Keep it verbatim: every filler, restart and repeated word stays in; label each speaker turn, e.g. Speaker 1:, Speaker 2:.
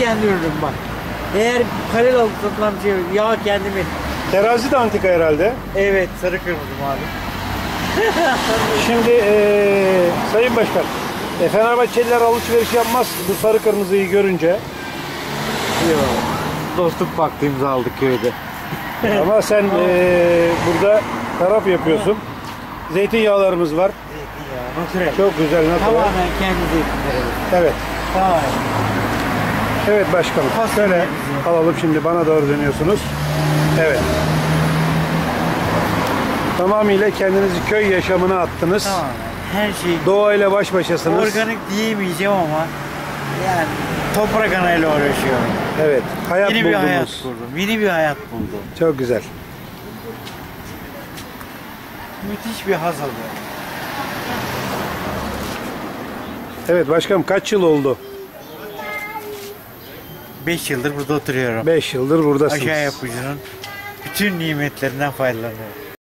Speaker 1: kendi ürünüm bak. Eğer paralel alıp satılan bir şey yok. Yağ kendimin.
Speaker 2: Terazi de antika herhalde.
Speaker 1: Evet, sarı kırmızı abi.
Speaker 2: Şimdi ee, Sayın Başkan, e, Fenerbahçeliler alışveriş yapmaz bu sarı kırmızıyı görünce.
Speaker 1: Yok. Dostluk paktı imzaladık köyde.
Speaker 2: Ama sen ee, burada taraf yapıyorsun. Zeytinyağlarımız var.
Speaker 1: Zeytinyağı, natürel.
Speaker 2: Çok güzel, natural.
Speaker 1: Tamamen kendi zeytinleri.
Speaker 2: Evet.
Speaker 1: Tamamen.
Speaker 2: Evet başkanım.
Speaker 1: Fasulye
Speaker 2: Şöyle
Speaker 1: bizim.
Speaker 2: alalım, şimdi bana doğru dönüyorsunuz. Evet. Tamamıyla kendinizi köy yaşamına attınız.
Speaker 1: Tamamen. Her şey
Speaker 2: Doğayla baş başasınız.
Speaker 1: organik diyemeyeceğim ama yani toprak anayla uğraşıyorum.
Speaker 2: Evet. Hayat
Speaker 1: Yeni
Speaker 2: buldunuz.
Speaker 1: bir hayat kurdum. Yeni bir hayat buldum.
Speaker 2: Çok güzel.
Speaker 1: Müthiş bir haz alıyorum.
Speaker 2: Evet başkanım, kaç yıl oldu?
Speaker 1: beş yıldır burada oturuyorum.
Speaker 2: beş yıldır buradasınız.
Speaker 1: Aşağı yapıcının bütün nimetlerinden faydalanıyorum.